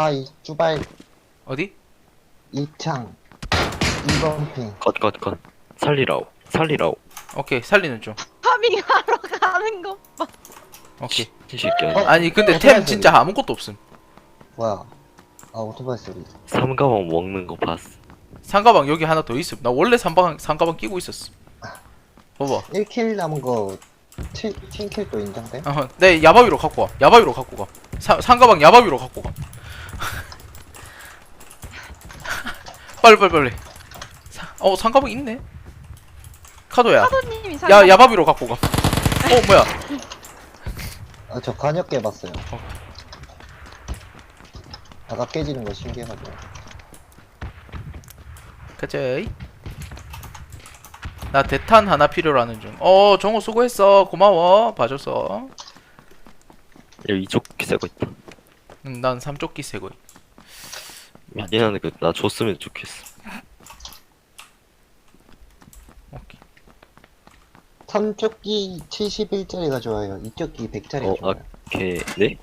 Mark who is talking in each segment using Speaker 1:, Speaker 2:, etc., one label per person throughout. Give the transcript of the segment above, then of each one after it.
Speaker 1: 이 쭈발
Speaker 2: 어디?
Speaker 1: 2창 2번 핑.
Speaker 3: 컷. 살리라오.
Speaker 2: 오케이 살리는 중.
Speaker 4: 파밍하러 가는 것 봐.
Speaker 2: 오케이.
Speaker 3: 이 새끼야.
Speaker 2: 아니 근데
Speaker 1: 오토바이
Speaker 2: 템 진짜 아무것도 없음.
Speaker 1: 뭐야? 아 오토바이 소리.
Speaker 3: 삼가방 먹는 거 봤어.
Speaker 2: 상가방 여기 하나 더 있음. 나 원래 상가방 끼고 있었어. 봐봐.
Speaker 1: 1킬 남은 거 팀킬도 인정돼?
Speaker 2: 내 야바위로 갖고 와. 야바위로 갖고 가. 상가방 야바위로 갖고 가. 빨리. 상가방 있네. 카도야.
Speaker 4: 사도님이
Speaker 2: 야바위로 갖고 가. 뭐야?
Speaker 1: 아 저 간역 깨봤어요. 아까 깨지는 거 신기해가지고.
Speaker 2: 가자이. 나 대탄 하나 필요로 하는 중. 정호 수고했어. 고마워. 봐줘서.
Speaker 3: 여기 이쪽 새거 있다.
Speaker 2: 난 삼조끼 새거.
Speaker 3: 미안한데 나 줬으면 좋겠어.
Speaker 2: 오케이.
Speaker 1: 3쪽기 71짜리가 좋아요. 2쪽기 100짜리가 좋아요.
Speaker 3: 오케이. 네?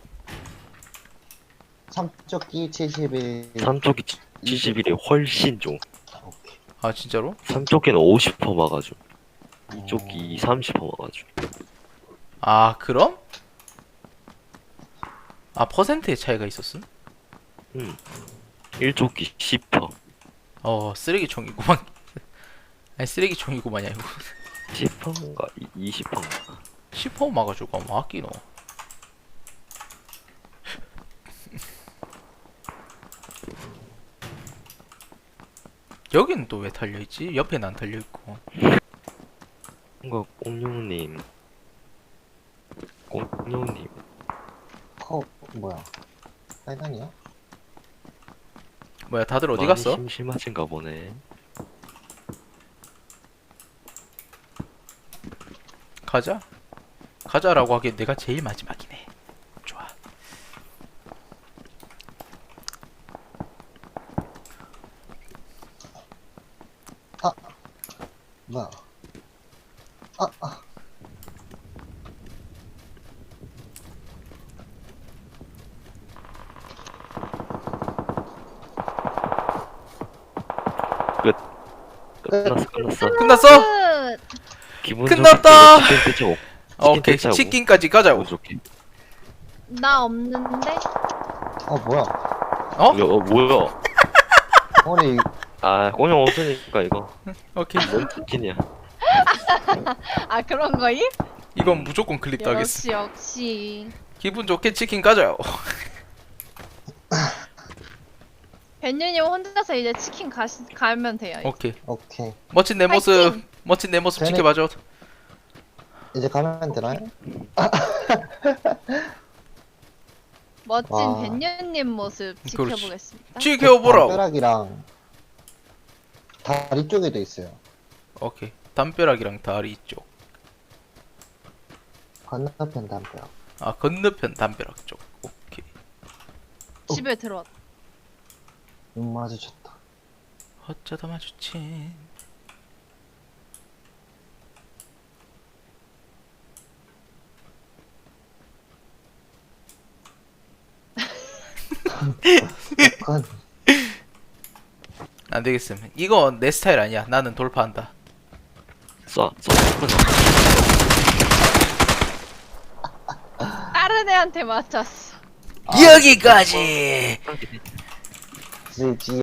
Speaker 1: 3쪽기 71.
Speaker 3: 삼쪽이 71이 훨씬 좀.
Speaker 1: 오케이.
Speaker 2: 아 진짜로?
Speaker 3: 삼쪽기는 50% 막아줘. 이쪽이 30% 막아줘.
Speaker 2: 아 그럼? 아 퍼센트의 차이가 있었음?
Speaker 3: 1쪽기 10%.
Speaker 2: 쓰레기총이구만. 아니 쓰레기총이구만이야 이거.
Speaker 3: 10%인가 20%인가.
Speaker 2: 10% 막아주고 뭐 아끼노. 여기는 또 왜 달려있지? 옆에는 안 달려있고.
Speaker 3: 뭔가 공룡님.
Speaker 1: 뭐야? 빨간이야?
Speaker 2: 뭐야 다들 어디
Speaker 3: 많이
Speaker 2: 갔어?
Speaker 3: 심심하신가 보네.
Speaker 2: 가자라고 하기엔 내가 제일 마지막이네. 좋아.
Speaker 1: 뭐야?
Speaker 3: 끝났어.
Speaker 2: 끝났어?
Speaker 4: 끝.
Speaker 3: 기분
Speaker 2: 끝났다.
Speaker 3: 좋게 치킨 떼자고.
Speaker 2: 오케이
Speaker 3: 떼자고.
Speaker 2: 치킨까지 가자고.
Speaker 3: 기분 좋게.
Speaker 4: 나 없는데?
Speaker 1: 뭐야?
Speaker 3: 뭐야?
Speaker 1: 아니
Speaker 3: 아 공룡 없으니까 이거.
Speaker 2: 오케이.
Speaker 3: 뭔 치킨이야?
Speaker 4: 아 그런 거임?
Speaker 2: 이건 무조건 클릭 따겠어.
Speaker 4: 역시.
Speaker 2: 기분 좋게 치킨 가자요.
Speaker 4: 벤유님 혼자서 이제 치킨 가면 돼요.
Speaker 2: 오케이.
Speaker 1: 오케이.
Speaker 4: 파이팅!
Speaker 2: 멋진 내 모습
Speaker 1: 되네.
Speaker 2: 지켜봐줘.
Speaker 1: 이제 가면 되나요?
Speaker 4: 멋진
Speaker 1: 와.
Speaker 4: 벤유님 모습
Speaker 2: 그렇지.
Speaker 4: 지켜보겠습니다.
Speaker 2: 지켜보라고.
Speaker 1: 담벼락이랑 다리 쪽에도 있어요.
Speaker 2: 오케이. 담벼락이랑 다리 쪽.
Speaker 1: 건너편 담벼락.
Speaker 2: 아 건너편 담벼락 쪽. 오케이.
Speaker 4: 집에 들어왔다.
Speaker 1: 눈 마주쳤다.
Speaker 2: 어쩌다 마주친.
Speaker 1: 그건
Speaker 2: 안 되겠음. 이거 내 스타일 아니야. 나는 돌파한다.
Speaker 3: 쏴.
Speaker 4: 다른 애한테 맞췄어.
Speaker 2: 여기까지.
Speaker 1: 지지